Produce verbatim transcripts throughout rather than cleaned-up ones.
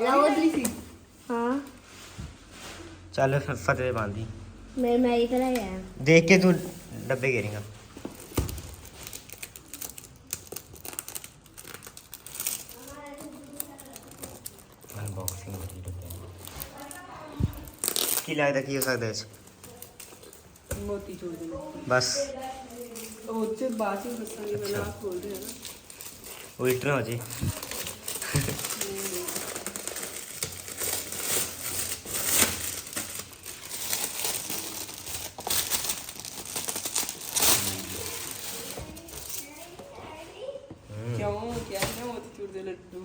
ਲਾਓ ਜੀ ਹਾਂ ਚੱਲ ਫਿਰ ਫਤਿਹ ਬੰਦੀ ਮੈਂ ਮੈਂ ਇਧਰ ਆਇਆ ਦੇਖ ਕੇ ਤੂੰ ਡੱਬੇ घेरेगा ਅਨਬਾਕਸਿੰਗ ਕਰੀ ਡੱਬੇ ਕੀ ਲੱਗਦਾ ਕੀ ਹੋ ਸਕਦਾ ਇਸ ਮੋਤੀ ਚੂਰ ਦੇ ਬਸ ਉਹ ਚ ਬਾਅਦ ਵਿੱਚ ਦੱਸਾਂਗੇ ਮੈਂ ਨਾ ਖੋਲ ਰਿਹਾ ਨਾ ਉਲਟ ਨਾ ਹੋ ਜੇ क्यों क्या है मोती चूर दे लड्डू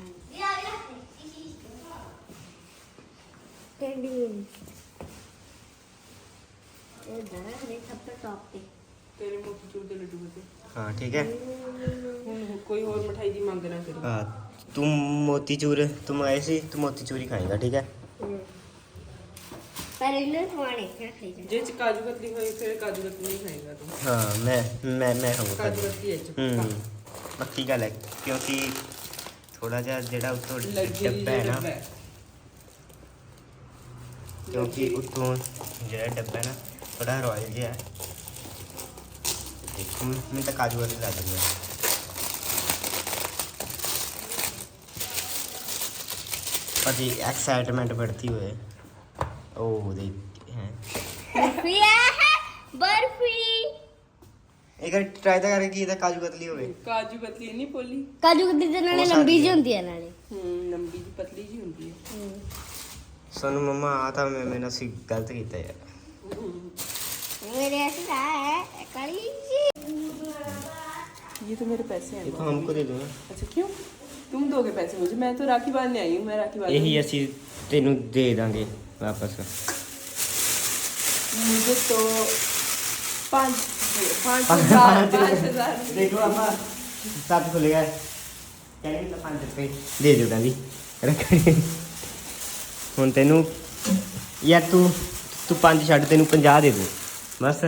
कैंडी ये जरा ने सब पे टॉप पे तेरे मोती चूर दे लड्डू बते हाँ ठीक है ਹੁਣ ਕੋਈ ਹੋਰ ਮਠਾਈ ਦੀ ਮੰਗ ਨਾ ਕਰੀ हाँ तुम मोती चूर तुम आए सी तुम मोती चूर ही खाएगा ठीक है पर इन्हें खाने क्या खाएगा ਜੇ ਚ ਕਾਜੂ ਕਤਲੀ ਹੋਈ ਫਿਰ ਕਾਜੂ ਕਤਲੀ ਨਹੀਂ ਖਾਏਗਾ ਤੂੰ हाँ मैं मैं मैं खाऊंगा ਕਾਜੂ ਕਤਲੀ ਹੈ ਚ हम्म पक्की गल है क्योंकि थोड़ा जा जेड़ा उत्तों डब्बा है ना क्योंकि उत्तों जेड़ा डब्बा है ना थोड़ा रॉयल जिहा है देखो मैं तो काजू वाली ला दूंगा पर एक्साइटमेंट बढ़ती हुई ओ देख हैं बर्फी है बर्फी एक बार ट्राई तो करके ਇਹਦਾ ਕਾਜੂ ਕਤਲੀ ਹੋਵੇ ਕਾਜੂ ਕਤਲੀ ਨਹੀਂ ਪੋਲੀ ਕਾਜੂ ਕਤਲੀ ਦੇ ਨਾਲੇ ਉਹ ਲੰਬੀ ਸਾਡੀ ਜਿਹੀ ਹੁੰਦੀ ਹੈ ਨਾਲੇ ਹੂੰ ਲੰਬੀ ਜੀ ਪਤਲੀ ਜੀ ਹੁੰਦੀ ਹੈ सोनू मम्मा आ था मैं मैंने सी गलत किया यार मेरे ऐसा है काली जी ये तो मेरे पैसे हैं देखो हमको दे दो ना अच्छा क्यों तुम दोगे पैसे मुझे मैं तो राखी बांधने आई हूँ मैं राखी बांधने यही ਅਸੀਂ ਤੈਨੂੰ ਦੇ ਦਾਂਗੇ ਵਾਪਸ मुझे तो पाँच पाँच हजार पाँच हजार देखो अम्मा साथ खुलेगा ਕਹਿੰਦੇ ਤਾਂ ਪੰਜ ਰੁਪਏ ਦੇ ਦਿਓ ਕਹਿੰਦੀ ਰੱਖਣੀ ਹੁਣ ਤੈਨੂੰ ਯਾਰ ਤੂੰ ਤੂੰ ਪੰਜ ਛੱਡ ਤੈਨੂੰ ਪੰਜਾਹ ਦੇ ਦੂੰ ਬਸ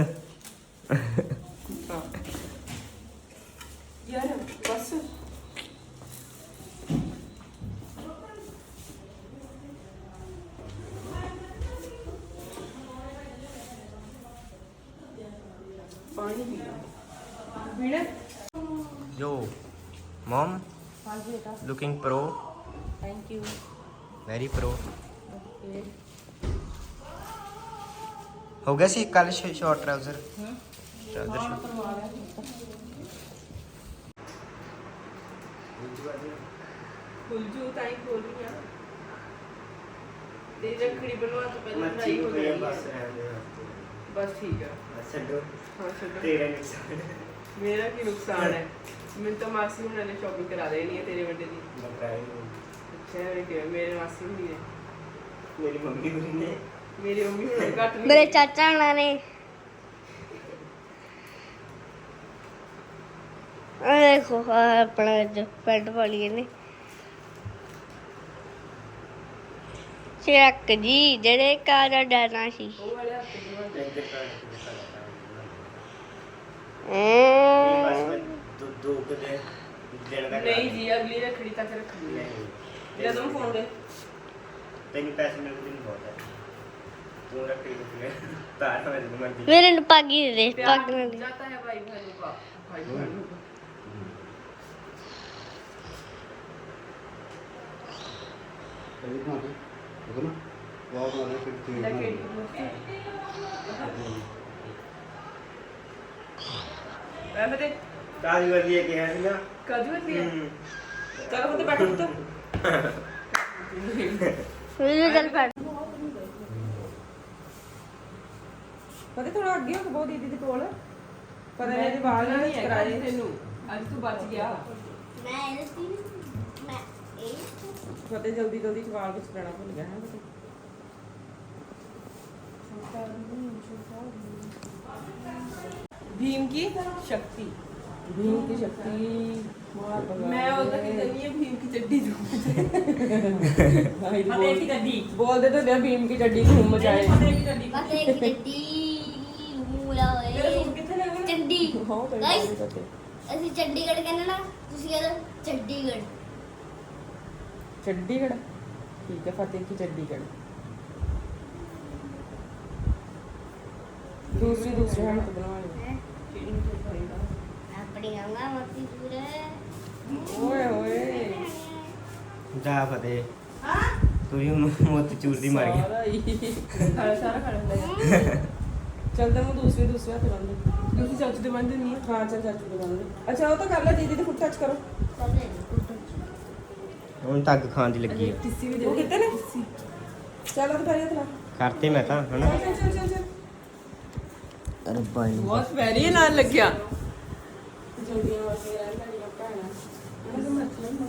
यार बस पानी पीना पीना यो मॉम हाँ जी बेटा looking pro thank you very pro हो गया सी कल शॉर्ट ट्राउजर ट्राउजर खुल जू ताई खोल रही है तेरी रखड़ी बनवा तो पहले फ्राई हो जाएगी बस ठीक है हाँ छोड़ो तेरा नुकसान मेरा की नुकसान है मैं तो मासी हुन ने शॉपिंग करा देनी है तेरे बर्थडे दी अच्छा है कि मेरे मासी हुन ने मेरी मम्मी हुन ने मेरी मम्मी हुन घट नहीं मेरे चाचा हुणा ने आ देखो अपना जो पैंट पाली ने चेक जी जेड़े काजा डरना सी वो वाले हफ्ते की दो दो के नहीं जी अगली रखड़ी तक रखनी है मेरा तुम फोन दे तेन पैसे मेरे को नहीं बहुत है तू रखड़ी को तार में मर्जी मेरे ने पागी दे दे प्यार पागी दे जाता है भाई बहनों का भाई बहनों का मैं बते काजू वाली है क्या है ना काजू है चलो बते बैठो तो मेरे चल पैंट ਪਤਾ ਥੋੜਾ ਅੱਗੇ ਹੋ ਬਹੁਤ ਦੀਦੀ ਦੇ ਕੋਲ ਪਰ ਇਹਦੇ ਵਾਲ ਨਹੀਂ ਕਰਾਏ ਤੈਨੂੰ ਅੱਜ ਤੂੰ ਬਚ ਗਿਆ मैं ऐसी मैं ए ਫਤੇ ਜਲਦੀ ਜਲਦੀ ਵਾਲ ਵਿੱਚ ਕਰਾਣਾ ਭੁੱਲ ਗਿਆ ਹੈ भीम की शक्ति भीम की शक्ति मैं उधर की करनी है भीम की चड्डी फतेह की चड्डी बोल दे तो दे भीम की चड्डी घूम मचाए फतेह की चड्डी पता है कि चड्डी मूला तेरा होए सूट किथे लगा चड्डी हां गाइस ਅਸੀਂ ਚੰਡੀਗੜ੍ਹ ਕਹਿੰਦੇ ਨਾ ਤੁਸੀਂ ਕਹਿੰਦੇ ਚੰਡੀਗੜ੍ਹ चंडीगढ़ ਠੀਕ ਹੈ ਫਤਿਹ ਕੀ ਚੰਡੀਗੜ੍ਹ ਦੂਸਰੀ ਦੂਸਰੀ ਹਮ ਤੋਂ ਬਣਾਉਣੀ ਹੈ ਆਪਣੀ ਆਂਗਾ ਮੱਤੀ ਪੂਰੇ ਓਏ ਓਏ ਜਾ ਫਤਿਹ ਤੂੰ ਵੀ ਮੋਤੀ ਚੂਰ ਦੀ ਮਾਰ ਗਿਆ ਸਾਰਾ ਹੀ ਖਾਣਾ ਸਾਰਾ ਖਾ ਲੈਂਦਾ ਹੈ ਚੱਲ ਤਾਂ ਮੈਂ ਦੂਸਰੀ ਦੂਸਰੀ ਹੱਥ ਬੰਦ ਦੂਸਰੀ ਚਾਚੂ ਦੇ ਬੰਦ ਨਹੀਂ ਹਾਂ ਚੱਲ ਚਾਚੂ ਦੇ ਬੰਦ ਅੱਛਾ ਉਹ ਤਾਂ ਕਰ ਲੈ ਦੀਦੀ ਦੇ ਫੁੱਟ ਟੱਚ ਕਰੋ ਹੁਣ ਤੱਕ ਖਾਣ ਦੀ ਲੱਗੀ ਹੈ ਟਿੱਸੀ ਵੀ ਦੇ ਉਹ ਕਿਤੇ ਨੇ ਟਿੱਸੀ ਚੱਲ ਉਹ ਕਰੀ ਹੱਥ ਲਾ ਕਰਤੇ ਮੈਂ ਤਾਂ ਹਨਾ ਚੱਲ ਚੱਲ ਚੱਲ ਚੱਲ ਅਰੇ ਬਾਈ ਬਹੁਤ ਵੈਰੀ ਨਾਲ ਲੱਗਿਆ ਜਲਦੀਆਂ ਵਾਸਤੇ ਰਹਿਣ ਵਾਲੀਆਂ ਭੈਣਾਂ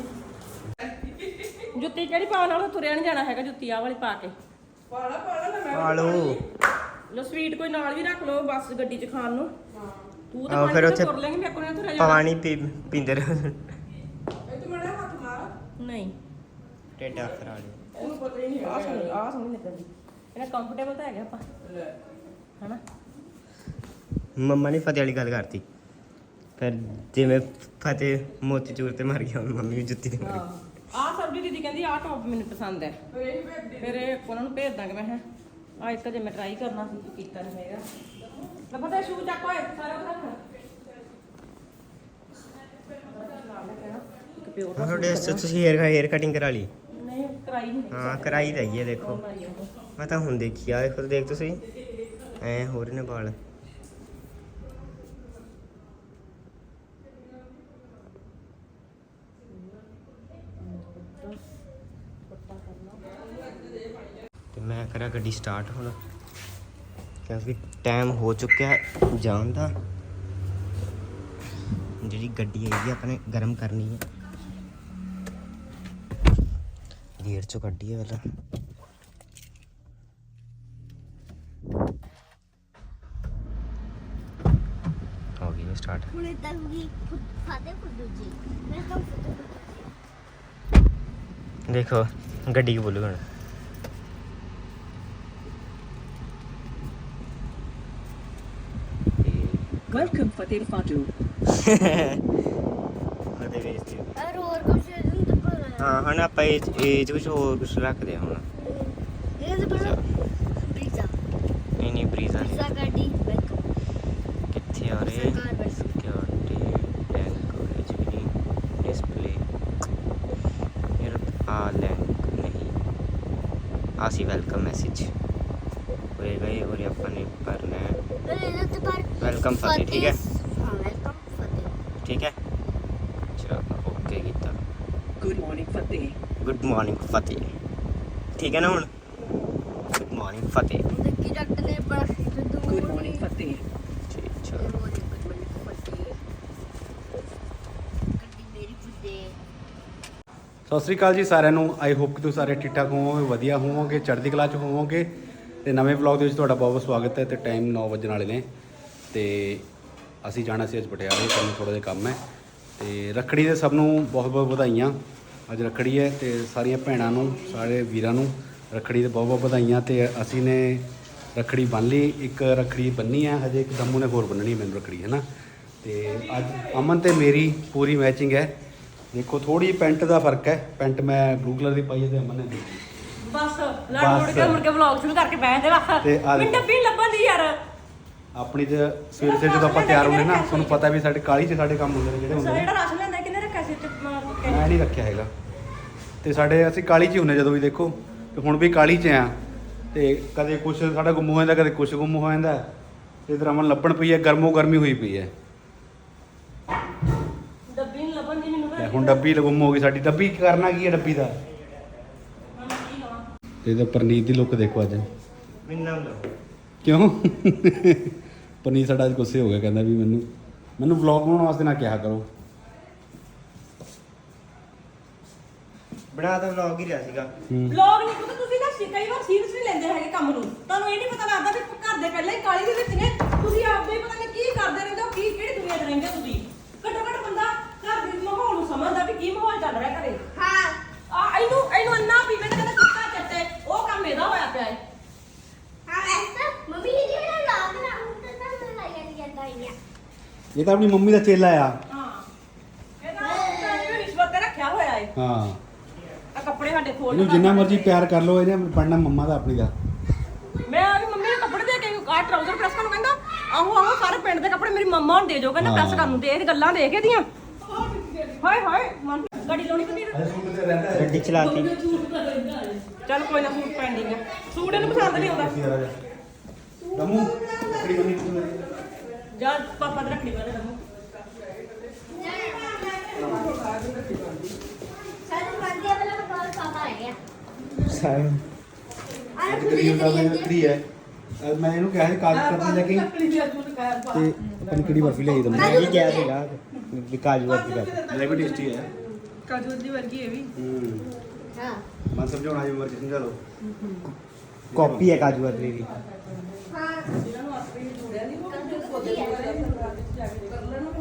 ਜੁੱਤੀ ਕਿਹੜੀ ਪਾਉਣ ਵਾਲਾ ਤੁਰਿਆ ਨਹੀਂ ਜਾਣਾ ਹੈਗਾ ਜੁੱਤੀ ਆਹ ਵਾਲੀ ਪਾ ਕੇ ਪਾਲਾ ਪਾਲਾ ਨਾ ਮੈਂ ਪਾ ਲਓ ਲੋ ਸਵੀਟ ਕੋਈ ਨਾਲ ਵੀ ਰੱਖ ਲਓ ਬੱਸ ਗੱਡੀ 'ਚ ਖਾਣ ਨੂੰ ਤੂੰ ਤਾਂ ਆਹੋ, ਫਿਰ ਉੱਥੇ ਤੁਰ ਲੈਂਗੇ ਮੇਰੇ ਕੋਲ ਨਹੀਂ ਤੁਰਿਆ ਜਾਣਾ ਪਾਣੀ ਪੀ ਪੀਂਦੇ ਰਹੋ ਇਹ ਤੂੰ ਮੜਾ ਹੱਥ ਮਾਰ ਨਹੀਂ ਟੇਡਾ ਕਰਾ ਲਿਓ ਇਹਨੂੰ ਪਤਾ ਹੀ ਨਹੀਂ ਆ ਸੋਹਣੀ ਆ ਸੋਹਣੀ ਲੱਗਦੀ ਇਹਨਾਂ ਕੰਫਰਟੇਬਲ ਤਾਂ ਹੈਗਾ ਆਪਾਂ ਹਨਾ ਮੰਮਾ ਨੇ ਫਤਿਹ ਵਾਲੀ ਗੱਲ ਕਰਤੀ ਫਿਰ ਜਿਵੇਂ ਫਤਿਹ ਮੋਤੀ ਚੂਰ ਤੇ ਮਰ ਗਿਆ ਹੁਣ ਮੰਮੀ ਵੀ ਜੁੱਤੀ ਤੇ ਮਰ ਗਈ ਆਹ ਸਬਜ਼ੀ ਦੀਦੀ ਕਹਿੰਦੀ ਆਹ ਟੌਪ ਮੈਨੂੰ ਪਸੰਦ ਹੈ ਫਿਰ ਇਹ ਉਹਨਾਂ ਨੂੰ ਭੇਜ ਦਾਂਗੇ ਮੈਂ ਹਾਂ ਆ ਇੱਕ ਜੇ ਮੈਂ ਟਰਾਈ ਕਰਨਾ ਸੀ ਕੀਤਾ ਨਹੀਂ ਹੈਗਾ ਲੈ ਪਤਾ ਸ਼ੂ ਚੱਕ ਓਏ ਸਾਰਾ ਕੁਝ ਰੱਖ ਇੱਕ ਪਿਓਰ ਦਾ ਤੁਹਾਡੇ ਇਸ 'ਚ ਤੁਸੀਂ ਹੇਅਰ ਹੇਅਰ ਕਟਿੰਗ ਕਰਾ ਲਈ ਨਹੀਂ ਕਰਾਈ ਨਹੀਂ ਹਾਂ ਕਰਾਈ ਰਹੀ ਹੈ ਦੇਖੋ ਮੈਂ ਤਾਂ ਹੁਣ ਦੇਖੀ ਆ ਦੇਖੋ ਦੇਖ ਤੁਸੀਂ ਐ ਹੋ ਰਹੇ ਨੇ ਵਾਲ ਤੇ ਮੈਂ ਕਰਾਂ ਗੱਡੀ ਸਟਾਰਟ ਹੁਣ ਕਿਉਂਕਿ ਟਾਈਮ ਹੋ ਚੁੱਕਿਆ ਹੈ ਜਾਣ ਦਾ ਜਿਹੜੀ ਗੱਡੀ ਹੈਗੀ ਆਪਣੇ ਗਰਮ ਕਰਨੀ ਹੈ ਗੇਅਰ ਚੋਂ ਕੱਢੀਏ ਪਹਿਲਾਂ ਹੋ ਗਈ ਸਟਾਰਟ ਹੁਣ ਇਦਾਂ ਵੀ ਫਾਦੇ ਫੁੱਦੂ ਜੀ ਮੈਂ ਤਾਂ ਫੁੱਦੂ ਦੇਖੋ ਗੱਡੀ ਕੀ ਬੋਲੂ ਹੁਣ ਵੈਲਕਮ ਫਤਿਹ ਫਾਟੂ ਉਹਦੇ ਵੇਚ ਦਿਓ ਔਰ ਹੋਰ ਕੁਝ ਨਹੀਂ ਤਾਂ ਪਰ ਹਾਂ ਹੁਣ ਆਪਾਂ ਇਹ ਇਹ 'ਚ ਕੁਛ ਹੋਰ ਕੁਛ ਰੱਖਦੇ ਹਾਂ ਹੁਣ ਇਹ ਤਾਂ ਪਰ ਪੀਜ਼ਾ ਨਹੀਂ ਨਹੀਂ ਬਰੀਜ਼ਾ ਨਹੀਂ ਪੀਜ਼ਾ ਗੱਡੀ ਵੈਲਕਮ ਕਿੱਥੇ ਆ ਰਹੇ ਸਰਕਾਰ ਬਸ ਸਿਕਿਉਰਿਟੀ ਲੈਂਗੁਏਜ ਵੀ ਨਹੀਂ ਡਿਸਪਲੇ ਯਾਰ ਆ ਲੈਂਗ ਨਹੀਂ ਆ ਸੀ ਵੈਲਕਮ ਮੈਸੇਜ ਹੋਏਗਾ ਇਹ और ਆਪਾਂ ਨੇ ਭਰਨਾ ਹੈ ਇਹ ਤਾਂ ਪਰ ਵੈਲਕਮ ਫਤਿਹ ਠੀਕ ਹੈ ਹਾਂ ਵੈਲਕਮ ਫਤਿਹ ਠੀਕ ਹੈ ਚਲੋ ਓਕੇ ਕੀਤਾ ਗੁੱਡ ਮਾਰਨਿੰਗ ਫਤਿਹ ਗੁੱਡ ਮਾਰਨਿੰਗ ਫਤਿਹ ਠੀਕ ਹੈ ਨਾ ਹੁਣ ਗੁੱਡ ਮਾਰਨਿੰਗ ਫਤਿਹ ਦੇਖੀ ਡਾਕਟਰ ਨੇ ਬੜਾ ਸਿੱਧੂ ਗੁੱਡ ਮਾਰਨਿੰਗ ਫਤਿਹ ਠੀਕ ਚਲੋ ਗੱਡੀ ਮੇਰੀ ਫੁੱਦੇ ਸਤਿ ਸ੍ਰੀ ਅਕਾਲ ਜੀ ਸਾਰਿਆਂ ਨੂੰ ਆਈ ਹੋਪ ਕਿ ਤੁਸੀਂ ਸਾਰੇ ਠੀਕ ਠਾਕ ਹੋਵੋਗੇ ਵਧੀਆ ਹੋਵੋਗੇ ਚੜ੍ਹਦੀ ਕਲਾ 'ਚ ਹੋਵੋਗੇ ਤੇ ਨਵੇਂ ਵਲੌਗ ਦੇ ਵਿੱਚ ਤੁਹਾਡਾ ਬਹੁਤ ਬਹੁਤ ਸਵਾਗਤ ਹੈ ਤੇ ਟਾਈਮ ਨੌ ਵਜਣ ਵਾਲੇ ਨੇ ਤੇ ਅਸੀਂ ਜਾਣਾ ਸੀ ਅੱਜ ਪਟਿਆਲੇ ਸਾਨੂੰ ਥੋੜ੍ਹਾ ਜਿਹਾ ਕੰਮ ਹੈ ਤੇ ਰੱਖੜੀ ਦੇ ਸਭ ਨੂੰ ਬਹੁਤ ਬਹੁਤ ਵਧਾਈਆਂ ਅੱਜ ਰੱਖੜੀ ਹੈ ਤੇ ਸਾਰੀਆਂ ਭੈਣਾਂ ਨੂੰ ਸਾਰੇ ਵੀਰਾਂ ਨੂੰ ਰੱਖੜੀ ਦੇ ਬਹੁਤ ਬਹੁਤ ਵਧਾਈਆਂ ਤੇ ਅਸੀਂ ਨੇ ਰੱਖੜੀ ਬੰਨ੍ਹ ਲਈ ਇੱਕ ਰੱਖੜੀ ਬੰਨੀ ਹੈ ਹਜੇ ਇੱਕ ਦਮੂ ਨੇ ਹੋਰ ਬੰਨਣੀ ਹੈ ਮੈਨੂੰ ਰੱਖੜੀ ਹੈ ਨਾ ਤੇ ਅੱਜ ਅਮਨ ਤੇ ਮੇਰੀ ਪੂਰੀ ਮੈਚਿੰਗ ਹੈ ਦੇਖੋ ਥੋੜੀ ਪੈਂਟ ਦਾ ਫਰਕ ਹੈ ਪੈਂਟ ਮੈਂ ਬਲੂ ਕਲਰ ਦੀ ਪਾਈ ਹੈ ਤੇ ਅਮਨ ਨੇ ਦੂਜੀ ਬਸ ਲੜ ਮੁੜ ਕੇ ਮੁੜ ਕੇ ਵਲੌਗ ਸ਼ੁਰੂ ਕਰਕੇ ਬੈਠ ਦੇ ਬਸ ਤੇ ਆ ਮੈਨੂੰ ਦੇਖੋ। ਡੱਬੀ ਨੀ ਲੱਭਣ ਦੀ ਯਾਰ ਆਪਣੀ ਤੇ ਸਵੇਰ ਸਵੇਰ ਜਦੋਂ ਆਪਾਂ ਤਿਆਰ ਹੁੰਦੇ ਨਾ ਤੁਹਾਨੂੰ ਪਤਾ ਵੀ ਸਾਡੇ ਕਾਲੀ 'ਚ ਸਾਡੇ ਕੰਮ ਹੁੰਦੇ ਨੇ ਜਿਹੜੇ ਹੁੰਦੇ ਸਰ ਨੇ ਜਿਹੜਾ ਰਾਸ਼ਨ ਲੈਂਦਾ ਕਿੰਨੇ ਰੱਖਿਆ ਸੀ ਤੇ ਮੈਂ ਨਹੀਂ ਰੱਖਿਆ ਹੈਗਾ ਤੇ ਸਾਡੇ ਅਸੀਂ ਕਾਲੀ 'ਚ ਹੀ ਹੁੰਦੇ ਜਦੋਂ ਵੀ ਦੇਖੋ ਤੇ ਹੁਣ ਵੀ ਕਾਲੀ 'ਚ ਆ ਤੇ ਕਦੇ ਕੁਛ ਸਾਡਾ ਗੁੰਮ ਹੋ ਜਾਂਦਾ ਕਦੇ ਕੁਛ ਗੁੰਮ ਹੋ ਜਾਂਦਾ ਤੇ ਇਧਰ ਅਮਨ ਲੱਭਣ ਪਈ ਹੈ ਗਰਮੋ ਗਰਮੀ ਹੋਈ ਪਈ ਹੈ ਡੱਬੀ ਨੀ ਲੱਭਣ ਦੀ ਮੈਨੂੰ ਤੇ ਹੁਣ ਡੱਬੀ ਗੁੰਮ ਹੋ ਗਈ ਸਾਡੀ ਡੱਬੀ ਕਰਨਾ ਕੀ ਹੈ ਡੱਬੀ ਦਾ ਤੇ ਇਹਦਾ ਪਰਨੀਤ ਦੀ ਲੁੱਕ ਦੇਖੋ ਅੱਜ ਮੈਨੂੰ ਨਾਮ ਲਓ ਕਿਉਂ ਪਰਨੀਤ ਸਾਡਾ ਅੱਜ ਗੁੱਸੇ ਹੋ ਗਿਆ ਕਹਿੰਦਾ ਵੀ ਮੈਨੂੰ ਮੈਨੂੰ ਵਲੌਗ ਬਣਾਉਣ ਵਾਸਤੇ ਨਾ ਕਿਹਾ ਕਰੋ ਬਣਾ ਤਾਂ ਵਲੌਗ ਹੀ ਰਿਹਾ ਸੀਗਾ ਵਲੌਗ ਨਹੀਂ ਪਤਾ ਤੁਸੀਂ ਨਾ ਕਈ ਵਾਰ ਸੀਰੀਅਸ ਨਹੀਂ ਲੈਂਦੇ ਹੈਗੇ ਕੰਮ ਨੂੰ ਤੁਹਾਨੂੰ ਇਹ ਨਹੀਂ ਪਤਾ ਲੱਗਦਾ ਵੀ ਘਰ ਦੇ ਪਹਿਲਾਂ ਹੀ ਕਾਲੀ ਦੇ ਵਿੱਚ ਨੇ ਤੁਸੀਂ ਆਪਦੇ ਹੀ ਪਤਾ ਨਹੀਂ ਕੀ ਕਰਦੇ ਰਹਿੰਦੇ ਹੋ ਕੀ ਕਿਹੜੀ ਦੁਨੀਆ 'ਚ ਰਹਿੰਦੇ ਹੋ ਤੁਸੀਂ ਘੱਟੋ ਘੱਟ ਬੰਦਾ ਘਰ ਦੇ ਮਾਹੌਲ ਨੂੰ ਸਮਝਦਾ ਵੀ ਕੀ ਮਾਹੌਲ ਚੱਲ ਰਿਹਾ ਘਰੇ ਹਾਂ ਆ ਇਹਨੂੰ ਇਹਨੂੰ ਅੰਨਾ ਪੀਵੇ ਤੇ ਕਹਿੰਦਾ ਸੁੱਕਾ ਚੱਟੇ ਉਹ ਕੰਮ ਇਹਦਾ ਹੋਇਆ ਪਿਆ ਹੈ ਹਾਂ ਐਸਾ ਮੰਮੀ ਜੀ ਜਿਹੜਾ ਲਾਗ ਨਾ ਹੁਣ ਤਾਂ ਤਾਂ ਲਾਇਆ ਨਹੀਂ ਜਾਂਦਾ ਹੀ ਇਹ ਤਾਂ ਆਪਣੀ ਮੰਮੀ ਦਾ ਚੇਲਾ ਆ ਹਾਂ ਇਹਦਾ ਰਿਸ਼ਵਤ ਤੇ ਰੱਖਿਆ ਹੋਇਆ ਹੈ ਹਾਂ ਆ ਕੱਪੜੇ ਸਾਡੇ ਫੋਲਡ ਇਹਨੂੰ ਜਿੰਨਾ ਮਰਜ਼ੀ ਪਿਆਰ ਕਰ ਲਓ, ਇਹਨੇ ਬਣਨਾ ਮੰਮਾ ਦਾ ਆਪਣੀ ਦਾ। ਮੈਂ ਆ ਮੰਮੀ ਨੇ ਕੱਪੜੇ ਦੇ ਕੇ ਆ ਟਰਾਊਜ਼ਰ ਪ੍ਰੈਸ ਕਰਨ ਕਹਿੰਦਾ ਆਹੋ ਆਹੋ ਸਾਰੇ ਪਿੰਡ ਦੇ ਕੱਪੜੇ ਮੇਰੀ ਮੰਮਾ ਨੂੰ ਦੇ ਦਿਓ ਕਹਿੰਦਾ ਪ੍ਰੈਸ ਕਰਨ ਨੂੰ ਦੇ ਇਹ ਗੱਲਾਂ ਦੇਖ ਇਹਦੀਆਂ ਹਾਏ ਹਾਏ ਮਨ ਗੱਡੀ ਲਾਉਣੀ ਕਿੰਨੀ ਗੱਡੀ ਚਲਾਤੀ। ਚੱਲ ਕੋਈ ਨਾ ਸੂਟ ਪੈਂਡਿੰਗ ਹੈ ਸੂਟ ਇਹਨੂੰ ਪਸੰਦ ਨਹੀਂ ਆਉਂਦਾ ਦਮੂ ਆਪਣੀ ਮੰਮੀ ਨੂੰ ਜਾ ਪਾਪਾ ਦੇ ਰੱਖੜੀ ਵਾਲੇ ਦਮੂ ਸਾਨੂੰ ਮੰਨਦੇ ਵਾਲਾ ਬਹੁਤ ਪਾਪਾ ਹੈ ਗਿਆ ਸਾਰੇ ਆਹ ਤੇਰੀ ਹੁੰਦਾ ਮੈਂ ਤੇਰੀ ਹੈ। ਅਹ ਮੈਂ ਇਹਨੂੰ ਕਿਹਾ ਸੀ ਕਾਜ ਕਰਦੀ ਲੈ ਕੇ ਤੇ ਆਪਣੀ ਕਿਹੜੀ ਬਰਫੀ ਲਈ ਦਮ ਮੈਂ ਵੀ ਗਿਆ ਸੀਗਾ ਵੀ ਕਾਜੂ ਵਰਗੀ ਕਰ। ਲੈ ਵੀ ਟੇਸਟੀ ਹੈ। ਕਾਜੂ ਦੀ ਵਰਗੀ ਇਹ ਵੀ ਹੂੰ ਹਾਂ ਮਨ ਸਮਝਾਉਣਾ ਜੀ ਮਰਜ਼ੀ ਸਮਝਾ ਲਓ। ਕਾਪੀ ਹੈ ਕਾਜੂ ਵਰਗੀ ਦੀ। ਹਾਂ ਇਹਨਾਂ ਨੂੰ ਆਪੇ ਹੀ ਜੋੜਿਆ ਨਹੀਂ ਉਹ ਕਾਜੂ ਪੌਦੇ ਵਧੀਆ। ਵਗੈਰਾ ਸਰਕਾਰ ਵਿੱਚ ਜਾ ਕੇ ਕਰ ਲੈਣਾ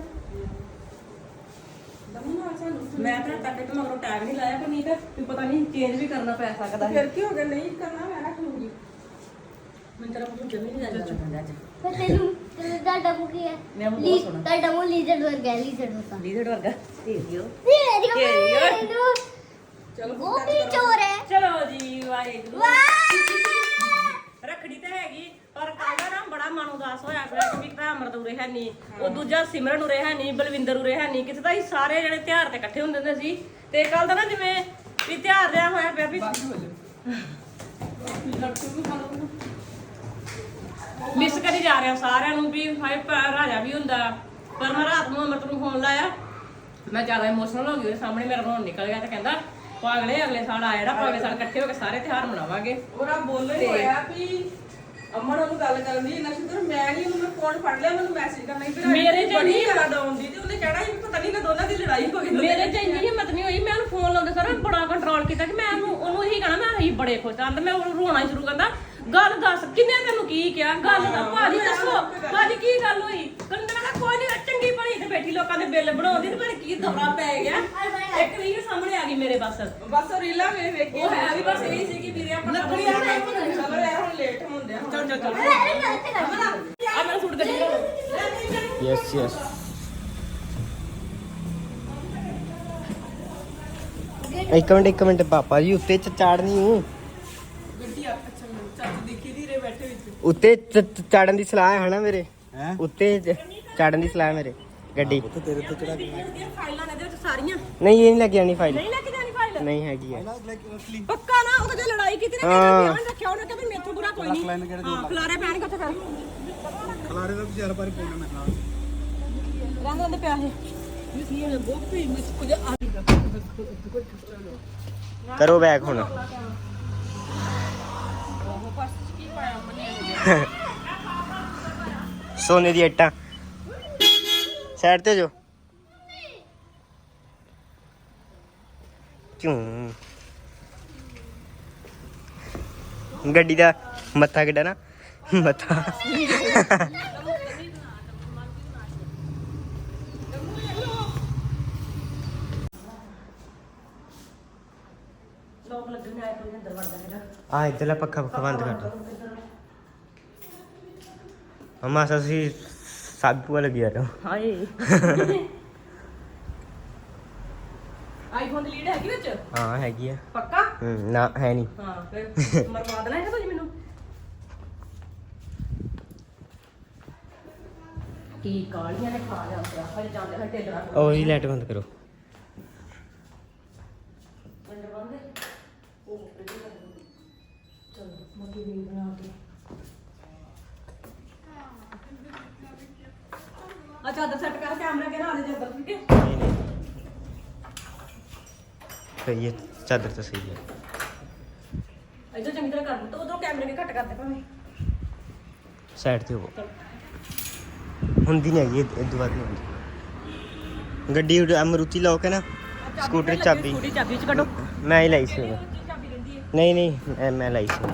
ਦਮੂ ਨਾਲ ਸਾਨੂੰ ਮੈਂ ਤਾਂ ਤੱਕ ਤੇ ਮਗਰੋਂ ਟੈਗ ਨਹੀਂ ਲਾਇਆ ਪਰ ਨਹੀਂ ਤਾਂ ਵੀ ਪਤਾ ਨਹੀਂ ਚੇਂਜ ਵੀ ਕਰਨਾ ਪੈ ਸਕਦਾ ਹੈ ਫਿਰ ਕੀ ਹੋ ਗਿਆ ਨਹੀਂ ਕਰਨਾ ਮੈਂ ਰੱਖ ਲੂੰਗੀ ਮੈਂ ਤੇਰਾ ਕੁਝ ਜਮੀ ਨਹੀਂ ਜਾਂਦਾ ਅੱਜ ਪਰ ਤੈਨੂੰ ਤੇਰਾ ਡਬੂ ਕੀ ਹੈ ਮੈਂ ਬਹੁਤ ਸੋਹਣਾ। ਤਾਂ ਡਬੂ ਲੀਜ਼ਰਡ ਵਰਗਾ ਲੀਜ਼ਰਡ ਹੁੰਦਾ ਲੀਡਰ ਵਰਗਾ ਤੇਰੀਓ ਤੇਰੀ ਤੇਰੀ। ਚਲੋ ਉਹ ਵੀ ਚੋਰ ਹੈ ਚਲੋ ਜੀ ਵਾਹਿਗੁਰੂ ਵਾਹ ਰੱਖੜੀ ਤੇ ਹੈਗੀ ਪਰ ਕੱਲ ਨਾ ਬੜਾ ਮਨ ਉਦਾਸ ਹੋਇਆ ਪਿਆ ਕਿ ਭਰਾ ਅਮਰਤ ਉਰੇ ਹੈ ਨਹੀਂ ਉਹ ਦੂਜਾ ਸਿਮਰਨ ਉਰੇ ਹੈ ਨਹੀਂ ਬਲਵਿੰਦਰ ਉਰੇ ਹੈ ਨਹੀਂ ਕਿਤੇ ਤਾਂ ਅਸੀਂ ਸਾਰੇ ਜਿਹੜੇ ਤਿਉਹਾਰ ਤੇ ਇਕੱਠੇ ਹੁੰਦੇ ਹੁੰਦੇ ਸੀ ਤੇ ਕੱਲ ਦਾ ਨਾ ਜਿਵੇਂ ਵੀ ਤਿਉਹਾਰ ਰਿਹਾ ਹੋਇਆ ਪਿਆ ਵੀ ਮਿਸ ਕਰੀ ਜਾ ਰਿਹਾ ਸਾਰਿਆਂ ਨੂੰ ਵੀ ਹਾਏ ਭਰਾ ਰਾਜਾ ਵੀ ਹੁੰਦਾ ਪਰ ਮੈਂ ਰਾਤ ਨੂੰ ਅਮਰਤ ਨੂੰ ਫੋਨ ਲਾਇਆ ਮੈਂ ਜ਼ਿਆਦਾ ਇਮੋਸ਼ਨਲ ਹੋ ਗਈ ਉਹਦੇ ਸਾਹਮਣੇ ਮੇਰਾ ਰੋਣ ਨਿਕਲ ਗਿਆ ਤੇ ਕਹਿੰਦਾ ਪਾਗਲੇ ਅਗਲੇ ਸਾਲ ਆ ਜਿਹੜਾ ਪਾਗਲੇ ਸਾਲ ਇਕੱਠੇ ਹੋ ਕੇ ਸਾਰੇ ਤਿਉਹਾਰ ਮਨਾਵਾਂਗੇ ਉਹਦਾ ਬੋਲ ਹੀ ਹੋਇਆ ਵੀ ਅਮਨ ਉਹਨੂੰ ਗੱਲ ਕਰਨ ਦੀ ਨਾ ਸ਼ੁਕਰ ਮੈਂ ਨਹੀਂ ਉਹਨੂੰ ਫੋਨ ਫੜ ਲਿਆ ਮੈਨੂੰ ਮੈਸੇਜ ਕਰਨਾ ਹੀ ਮੇਰੇ ਚ ਬੜੀ ਨਹੀਂ ਜ਼ਿਆਦਾ ਆਉਂਦੀ ਤੇ ਉਹਨੇ ਕਹਿਣਾ ਸੀ ਪਤਾ ਨਹੀਂ ਨਾ ਦੋਨਾਂ ਦੀ ਲੜਾਈ ਹੋ ਗਈ ਮੇਰੇ ਚ ਇੰਨੀ ਹਿੰਮਤ ਨਹੀਂ ਹੋਈ ਮੈਂ ਉਹਨੂੰ ਫੋਨ ਲਾਉਂਦੇ ਸਾਰਾ ਬੜਾ ਕੰਟਰੋਲ ਕੀਤਾ ਕਿ ਮੈਂ ਉਹਨੂੰ ਉਹਨੂੰ ਇਹੀ ਕਹਣਾ ਮੈਂ ਅਸੀਂ ਬੜੇ ਖੁਸ਼ ਆਂ ਤੇ ਮੈਂ ਉਹਨੂੰ ਰੋਣਾ ਸ਼ੁਰੂ ਕਰਦਾ ਗੱਲ ਦੱਸ ਕਿੰਨੇ ਤੈਨੂੰ ਕੀ ਕਿਹਾ ਗੱਲ ਦਾ ਭਾਜੀ ਦੱਸੋ ਭਾਜੀ ਕੀ ਗੱਲ ਹੋਈ ਕਹਿੰਦਾ ਮੈਂ ਕੋਈ ਨਹੀਂ ਚੰਗੀ ਭਲੀ ਤੇ ਬੈਠੀ ਲੋਕਾਂ ਦੇ ਬਿੱਲ ਬਣਾਉਂਦੀ ਤੇ ਪਰ ਕੀ ਦੌਰਾ ਪੈ ਗਿਆ ਇੱਕ ਰੀਲ ਸਾਹਮਣੇ ਆ ਗਈ ਮੇਰੇ ਬਸ ਬਸ ਉਹ ਰੀਲਾ ਵੇਖ ਵੇਖ ਕੇ ਉਹ ਹੈ ਵੀ ਬਸ ਇਹੀ ਸੀ ਕਿ ਵੀਰੇ ਆਪਾਂ ਲੱਕੜੀ ਆ ਚਲੋ ਯਾਰ ਹੁਣ ਲੇਟ ਹੁੰਦੇ ਆ ਚੱਲ ਚੱਲ ਚੱਲ ਅਰੇ ਗਲਤ ਕਰ ਆ ਮੇਰਾ ਸੂਟ ਗੱਡੀ ਲਓ ਯੈਸ ਯੈਸ ਇੱਕ ਮਿੰਟ ਇੱਕ ਮਿੰਟ ਪਾਪਾ ਜੀ ਉੱਤੇ ਚ ਚਾੜਨੀ ਹੂੰ ਗੱਡੀ ਆ ਅੱਛਾ ਚਾਚੀ ਦੇਖੀ ਦੀ ਰੇ ਬੈਠੇ ਵਿੱਚ ਉੱਤੇ ਚ- ਚ- ਚਾੜਨ ਦੀ ਸਲਾਹ ਹੈ ਨਾ ਮੇਰੇ ਹੈ ਉੱਤੇ ਚ- ਚਾੜਨ ਦੀ ਸਲਾਹ ਹੈ ਮੇਰੇ ਗੱਡੀ ਤੇ ਤੇਰੇ ਤੇ ਚੜਾ ਫਾਈਲਾਂ ਨੇ ਇਹਦੇ ਵਿੱਚ ਸਾਰੀਆਂ ਨਹੀਂ ਇਹ ਨਹੀਂ ਲੱਗ ਜਾਣੀ ਫਾਈਲ ਨਹੀਂ ਲੈ ਕੇ ਜਾਣੀ ਫਾਈਲ ਨਹੀਂ ਹੈਗੀ ਹੈ ਪੱਕਾ ਨਾ ਉਹ ਤਾਂ ਜੇ ਲੜਾਈ ਕੀਤੀ ਨਾ ਹਾਂ। ਕਹਿੰਦਾ ਧਿਆਨ ਰੱਖਿਆ ਉਹਨੇ ਕਿ ਵੀ ਮੇਥੋਂ ਬੁਰਾ ਕੋਈ ਨਹੀਂ ਲੈਣ ਕਿਹੜੇ ਹਾਂ ਖਲਾਰੇ ਪੈਣਗੇ ਉੱਥੇ ਫਿਰ ਖਲਾਰੇ ਦਾ ਵਿਚਾਰ ਪਰ ਪਾਉਣਾ ਮੈਂ ਨਾਲ ਰਹਿੰਦੇ ਹੁੰਦੇ ਪਿਆਸੇ ਕਰੋ ਬੈਕ ਹੁਣ ਸੋਨੇ ਦੀ ਇੱਟਾਂ ਸਾਈਡ ਤੇ ਜੋ ਕਿਉਂ ਗੱਡੀ ਦਾ ਮੱਥਾ ਕਿੱਡਾ ਨਾ ਮੱਥਾ ਲੋਕ ਲੱਗਣ ਆਏ ਕੋਈ ਅੰਦਰ ਵੜਦਾ ਹੈਗਾ ਆ ਇੱਧਰਲਾ ਪੱਖਾ ਪੱਖਾ ਬੰਦ ਕਰ ਦੋ ਮਮਾ ਸਸੀ ਸਾਬੂ ਵਾਲਾ ਗਿਆ ਰੋ ਹਾਏ ਆਈਫੋਨ ਦੀ ਲੀਡ ਹੈਗੀ ਵਿੱਚ ਹਾਂ ਹੈਗੀ ਆ ਪੱਕਾ ਹੂੰ ਨਾ ਹੈ ਨਹੀਂ ਹਾਂ ਫਿਰ ਮਰਵਾ ਦੇਣਾ ਹੈਗਾ ਤੁਸੀਂ ਮੈਨੂੰ ਕੀ ਕਾਲੀਆਂ ਨੇ ਖਾ ਲਿਆ ਪਿਆ ਹਜੇ ਜਾਂਦੇ ਹਜੇ ਢਿੱਲਣਾ ਉਹ ਹੀ ਲਾਈਟ ਬੰਦ ਕਰੋ ਅੰਦਰ ਬੰਦੇ ਉਹ ਚਲੋ ਮੋਟੀ ਵੀ ਬਣਾ ਕੇ ਆ ਚਾਦਰ ਸੈੱਟ ਕਰ ਕੈਮਰਾ ਕੇ ਨਾ ਦੇ ਜੱਦਰ ਠੀਕ ਹੈ ਨਹੀਂ ਨਹੀਂ ਸਹੀ ਹੈ ਚਾਦਰ ਤਾਂ ਸਹੀ ਹੈ ਇੱਧਰ ਚੰਗੀ ਤਰ੍ਹਾਂ ਕਰ ਦੋ ਉਧਰੋਂ ਕੈਮਰੇ ਕੇ ਘੱਟ ਕਰਦੇ ਭਾਵੇਂ ਸਾਈਡ ਤੇ ਹੋਵੋ ਹੁੰਦੀ ਨਹੀਂ ਹੈਗੀ ਇਹ ਦੁਬਾਰਾ ਨਹੀਂ ਹੁੰਦੀ ਗੱਡੀ ਅਮਰੂਤੀ ਲੋਕ ਹੈ ਨਾ ਸਕੂਟਰ ਚਾਬੀ ਸਕੂਟਰ ਚਾਬੀ ਚ ਕੱਢੋ ਮੈਂ ਹੀ ਲਾਈ ਸੀ ਉਦੋਂ। ਚਾਬੀ ਰਹਿੰਦੀ ਹੈ ਨਹੀਂ ਨਹੀਂ ਇਹ ਮੈਂ ਲਾਈ ਸੀ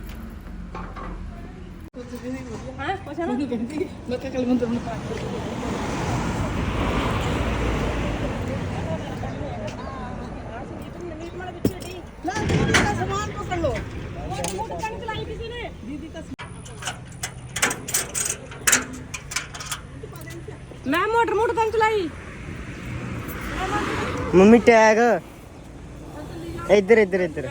ਹਾਂ ਕੁਛ ਨਾ ਕਹਿੰਦੀ ਮੈਂ ਕਿਹਾ ਕੱਲ ਮੰਦਰ ਨੂੰ ਪਾ ਸਮਾਨ ਪਕੜ ਲੋ ਮੋਟਰ ਕੰਨ ਚਲਾਈ ਕਿਸੇ ਨੇ ਦੀਦੀ ਤਾਂ ਮੈਂ ਮੋਟਰ ਮੋਟਰ ਕੰਨ ਚਲਾਈ ਮੰਮੀ ਟੈਗ ਇੱਧਰ ਇੱਧਰ ਇੱਧਰ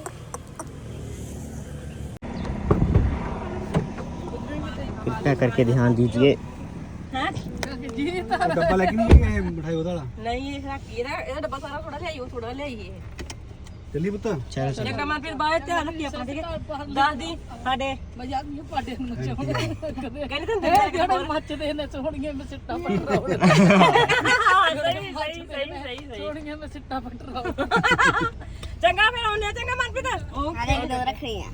कृपया करके ध्यान दीजिए। ਹੈ ਡੱਬਾ ਲੈ ਕੇ ਨਹੀਂ ਗਏ ਮਠਾਈ ਉਹਦਾ ਵਾਲਾ ਨਹੀਂ ਇਹ ਰੱਖੀ ਇਹਦਾ ਇਹਦਾ ਡੱਬਾ ਸਾਰਾ ਥੋੜਾ ਲਿਆਈ ਉਹ ਥੋੜਾ ਲਿਆਈ ਇਹ ਚੱਲੀ ਪੁੱਤ चलो चलो ਜੱਗਾ ਮਨ ਫਿਰ ਬਾਹਰ ਧਿਆਨ ਰੱਖੀ ਆਪਣਾ ਠੀਕ ਹੈ ਦੱਸ ਦੀ ਸਾਡੇ ਮਜ਼ਾਕ ਨਹੀਂ ਪਾੜੇ ਨੂੰ ਚਾਹੁੰਦੇ ਕਹਿੰਦੇ ਤਾਂ ਜਿਹੜੇ ਮੱਚਦੇ ਨੇ ਸੋਹਣੀਆਂ ਮੈਂ ਸਿੱਟਾ ਪਟਰਾਉ ਸਹੀ ਸਹੀ ਸਹੀ ਸਹੀ ਸਹੀ ਸੋਹਣੀਆਂ ਮੈਂ ਸਿੱਟਾ ਪਟਰਾਉ ਚੰਗਾ ਫਿਰ ਆਉਂਦੇ ਆ ਚੰਗਾ ਮਨਪ੍ਰੀਤ ਅਰੇ ਦੋ ਰੱਖੀਆਂ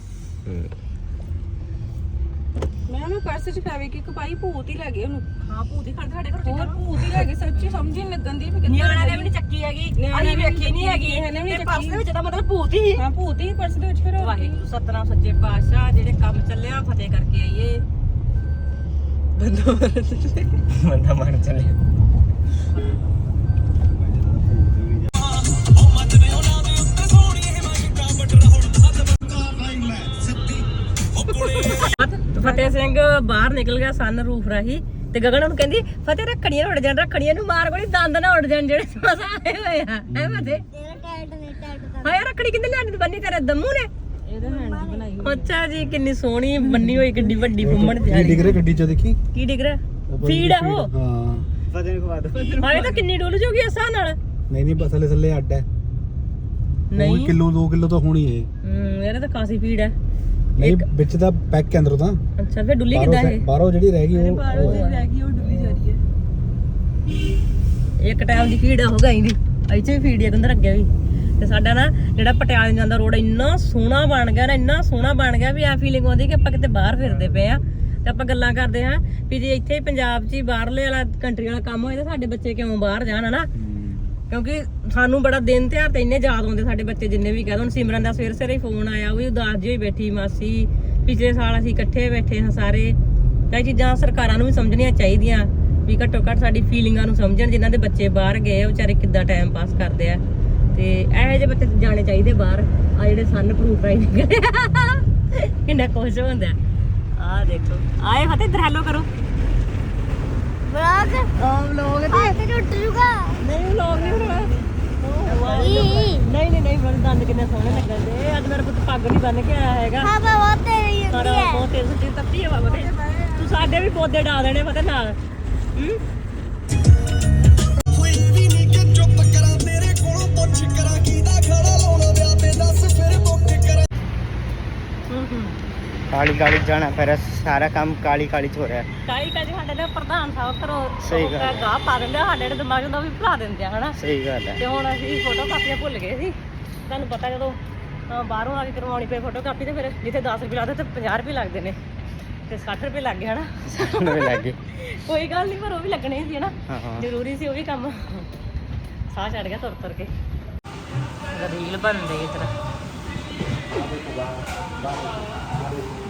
ਮੈਂ ਉਹਨੂੰ ਪਰਸ ਚ ਪਾਵੇ ਕਿ ਕਪਾਈ ਭੂਤ ਹੀ ਲੈ ਗਏ ਉਹਨੂੰ ਹਾਂ ਭੂਤੀ ਖੜਦੇ ਸਾਡੇ ਘਰ ਹੋਰ ਭੂਤ ਹੀ ਲੈ ਗਏ ਸੱਚੀ ਸਮਝ ਹੀ ਨਹੀਂ ਲੱਗਣ ਦੀ ਵੀ ਕਿੱਦਾਂ ਨਿਆਣਿਆਂ ਨੇ ਵੀ ਨਹੀਂ ਚੱਕੀ ਹੈਗੀ ਅਸੀਂ ਵੇਖੀ ਨਹੀਂ ਹੈਗੀ ਨਿਆਣਿਆਂ ਨੇ ਵੀ ਤੇ ਪਰਸ ਦੇ ਵਿੱਚ ਤਾਂ ਮਤਲਬ ਭੂਤ ਹੀ ਹਾਂ ਭੂਤ ਹੀ ਪਰਸ ਦੇ ਵਿੱਚ ਫਿਰ ਹੋਰ ਕੀ। ਵਾਹਿਗੁਰੂ ਸਤਨਾਮ ਸੱਚੇ ਪਾਤਸ਼ਾਹ ਜਿਹੜੇ ਕੰਮ ਚੱਲਿਆ ਫਤਿਹ ਕਰਕੇ ਆਈਏ बंदा मार चले ਫਤਿਹ ਸਿੰਘ ਬਾਹਰ ਨਿਕਲ ਗਿਆ ਸਨ ਰੂਫ ਰਾਹੀਂ ਤੇ ਗਗਨ ਨੂੰ ਕਹਿੰਦੀ ਫਤਿਹ ਰੱਖੜੀਆਂ ਉੱਡ ਜਾਣ ਰੱਖੜੀਆਂ ਨੂੰ ਮਾਰ ਕੋਈ ਦੰਦ ਨਾ ਉੱਡ ਜਾਣ ਜਿਹੜੇ ਮਸਾ ਆਏ ਹੋਏ ਆ ਐ ਫਤਿਹ ਤੇਰਾ ਟੈਟ ਨਹੀਂ ਟੈਟ ਹਾਏ ਰੱਖੜੀ ਕਿੰਨੇ ਲਿਆਂਦੀ ਬੰਨੀ ਤੇਰੇ ਦਮੂ ਨੇ ਇਹਦੇ ਹੈਂਡ ਦੀ ਬਣਾਈ ਅੱਛਾ ਜੀ ਕਿੰਨੀ ਸੋਹਣੀ ਬੰਨੀ ਹੋਈ ਕਿੱਡੀ ਵੱਡੀ ਫੁੰਮਣ ਕੀ ਡਿੱਗ ਰਿਹਾ ਗੱਡੀ ਚ ਦੇਖੀ ਕੀ ਡਿਗ ਰਿਹਾ ਫੀਡ ਆ ਉਹ ਹਾਂ पता नहीं खवा दो ਹਾਏ ਤਾਂ ਕਿੰਨੀ ਡੁੱਲ ਜੂਗੀ ਅਸਾਂ ਨਾਲ ਨਹੀਂ ਨਹੀਂ ਬਸ ਹਲੇ ਥੱਲੇ ਅੱਡ ਹੈ ਨਹੀਂ ਕਿਲੋ ਦੋ ਕਿਲੋ ਤਾਂ ਹੋਣੀ ਹੈ ਹੂੰ ਇਹਦਾ ਤਾਂ ਕਾਸੀ ਫੀਡ ਹੈ ਨਹੀਂ ਵਿੱਚ ਦਾ ਪੈਕ ਕੇ ਅੰਦਰੋਂ ਤਾਂ ਅੱਛਾ ਫਿਰ ਡੁੱਲੀ ਬਾਹਰੋਂ ਕਿੱਦਾਂ ਇਹ ਬਾਹਰੋਂ ਜਿਹੜੀ ਰਹਿ ਗਈ ਉਹ ਬਾਹਰੋਂ ਦੀ ਰਹਿ ਗਈ ਉਹ ਡੁੱਲੀ ਜਾ ਰਹੀ ਹੈ ਇੱਕ ਟਾਈਮ ਦੀ ਫੀਡ ਹੋ ਗਈ ਦੀ ਇੱਥੇ ਵੀ ਫੀਡ ਇੱਕ ਅੰਦਰ ਅੱਗੇ ਵੀ ਤੇ ਸਾਡਾ ਨਾ ਜਿਹੜਾ ਪਟਿਆਲੇ ਨੂੰ ਜਾਂਦਾ ਰੋਡ ਇੰਨਾ ਸੋਹਣਾ ਬਣ ਗਿਆ ਨਾ ਇੰਨਾ ਸੋਹਣਾ ਬਣ ਗਿਆ ਵੀ ਐ ਫੀਲਿੰਗ ਆਉਂਦੀ ਕਿ ਆਪਾਂ ਕਿਤੇ ਬਾਹਰ ਫਿਰਦੇ ਪਏ ਆ ਤੇ ਆਪਾਂ ਗੱਲਾਂ ਕਰਦੇ ਹਾਂ ਵੀ ਜੇ ਇੱਥੇ ਪੰਜਾਬ 'ਚ ਹੀ ਬਾਹਰਲੇ ਵਾਲਾ ਕੰਟਰੀ ਵਾਲਾ ਕੰਮ ਹੋਏ ਤਾਂ ਸਾਡੇ ਬੱਚੇ ਕਿਉਂ ਬਾਹਰ ਜਾਣ ਹਨਾ ਕਿਉਂਕਿ ਸਾਨੂੰ ਬੜਾ ਦਿਨ ਤਿਉਹਾਰ ਤੇ ਇੰਨੇ ਯਾਦ ਆਉਂਦੇ ਸਾਡੇ ਬੱਚੇ ਜਿੰਨੇ ਵੀ ਕਹਿੰਦੇ ਹੁਣ ਸਿਮਰਨ ਦਾ ਸਵੇਰ ਸਵੇਰੇ ਫੋਨ ਆਇਆ ਉਹ ਵੀ ਉਦਾਸ ਜਿਹੀ ਹੋਈ ਬੈਠੀ ਮਾਸੀ ਪਿਛਲੇ ਸਾਲ ਅਸੀਂ ਇਕੱਠੇ ਬੈਠੇ ਹਾਂ ਸਾਰੇ ਕਈ ਚੀਜ਼ਾਂ ਸਰਕਾਰਾਂ ਨੂੰ ਵੀ ਸਮਝਣੀਆਂ ਚਾਹੀਦੀਆਂ ਵੀ ਘੱਟੋ ਘੱਟ ਸਾਡੀ ਫੀਲਿੰਗਾਂ ਨੂੰ ਸਮਝਣ ਜਿਨ੍ਹਾਂ ਦੇ ਬੱਚੇ ਬਾਹਰ ਗਏ ਆ ਵਿਚਾਰੇ ਕਿੱਦਾਂ ਟਾਈਮ ਪਾਸ ਕਰਦੇ ਆ ਤੇ ਇਹੋ ਜਿਹੇ ਬੱਚੇ ਜਾਣੇ ਚਾਹੀਦੇ ਬਾਹਰ ਆ ਜਿਹੜੇ ਸਨ ਪ੍ਰੂਫ ਰਾਈ ਨਿਕਲੇ ਕਿੰਨਾ ਖੁਸ਼ ਹੁੰਦਾ ਆ ਦੇਖੋ ਆਏ ਫਤਿਹ ਇਧਰ ਹੈਲੋ ਕਰੋ ਬਰਾਕ ਆ ਵਲੋਗ ਆ ਤੇ ਟੁੱਟ ਜੂਗਾ ਨਹੀਂ ਵਲੋਗ ਨਹੀਂ ਹੋਣਾ ਈ ਨਹੀਂ ਨਹੀਂ ਨਹੀਂ ਮੇਰੇ ਦੰਦ ਕਿੰਨੇ ਸੋਹਣੇ ਲੱਗਦੇ ਅੱਜ ਮੇਰਾ ਪੁੱਤ ਪੱਗ ਨਹੀਂ ਬੰਨ ਕੇ ਆਇਆ ਹੈਗਾ ਹਾਂ ਬਾਬਾ ਤੇਰੀ ਹੁੰਦੀ ਸਾਰਾ ਹੈ ਬਹੁਤ ਤੇਜ਼ ਸੁੱਤੀ ਤੱਤੀ ਹਵਾ ਬਤੇ ਤੂੰ ਸਾਡੇ ਵੀ ਪੌਦੇ ਡਾ ਦੇਣੇ ਪਤਾ ਨਾਲ ਹੂੰ ਕੋਈ ਵੀ ਨਹੀਂ ਕਿ ਚੁੱਪ ਕਰਾਂ ਤੇਰੇ ਕੋਲੋਂ ਪੁੱਛ ਕਰਾਂ ਕਿਹਦਾ ਖੜਾ ਲਾਉਣਾ ਵਿਆਹ ਤੇ ਦੱਸ ਫਿਰ ਬੁੱਕ ਕਰਾਂ ਹੂੰ ਹੂੰ काली काली जाना फिर सारा काम काली काली हो रहा है ਕਾਲੀ ਕਾਲੀ ਸਾਡੇ ਦੇ ਪ੍ਰਧਾਨ ਸਾਹਿਬ ਕਰੋ ਸਹੀ ਗੱਲ ਹੈ। ਗਾਹ ਪਾ ਦਿੰਦੇ ਆ, ਸਾਡੇ ਦੇ ਦਿਮਾਗ ਨੂੰ ਵੀ ਭੁਲਾ ਦਿੰਦੇ ਆ ਹਨਾ सही गल है ਤੇ ਹੁਣ ਅਸੀਂ ਫੋਟੋ ਕਾਪੀਆਂ ਭੁੱਲ ਗਏ ਸੀ ਤੁਹਾਨੂੰ ਪਤਾ ਜਦੋਂ ਅਹ ਬਾਹਰੋਂ ਆ ਕੇ ਕਰਵਾਉਣੀ ਪਈ ਫੋਟੋ ਕਾਪੀ ਤੇ ਫਿਰ ਜਿੱਥੇ ਦਸ ਰੁਪਏ ਲੱਗਦੇ ਤੇ ਪੰਜਾਹ ਰੁਪਏ ਲੱਗਦੇ ਨੇ ਤੇ ਸੱਠ ਰੁਪਏ ਲੱਗ ਗਏ ਹਨਾ नवे लग गए ਕੋਈ ਗੱਲ ਨਹੀਂ ਪਰ ਉਹ ਵੀ ਲੱਗਣੇ ਸੀ ਹਨਾ हाँ हाँ ਜ਼ਰੂਰੀ ਸੀ ਉਹ ਵੀ ਕੰਮ ਸਾਹ ਚੜ ਗਿਆ ਤੁਰ ਤੁਰ ਕੇ ਰੀਲ ਬਣ ਰਹੀ ਇਸ ਤਰ੍ਹਾਂ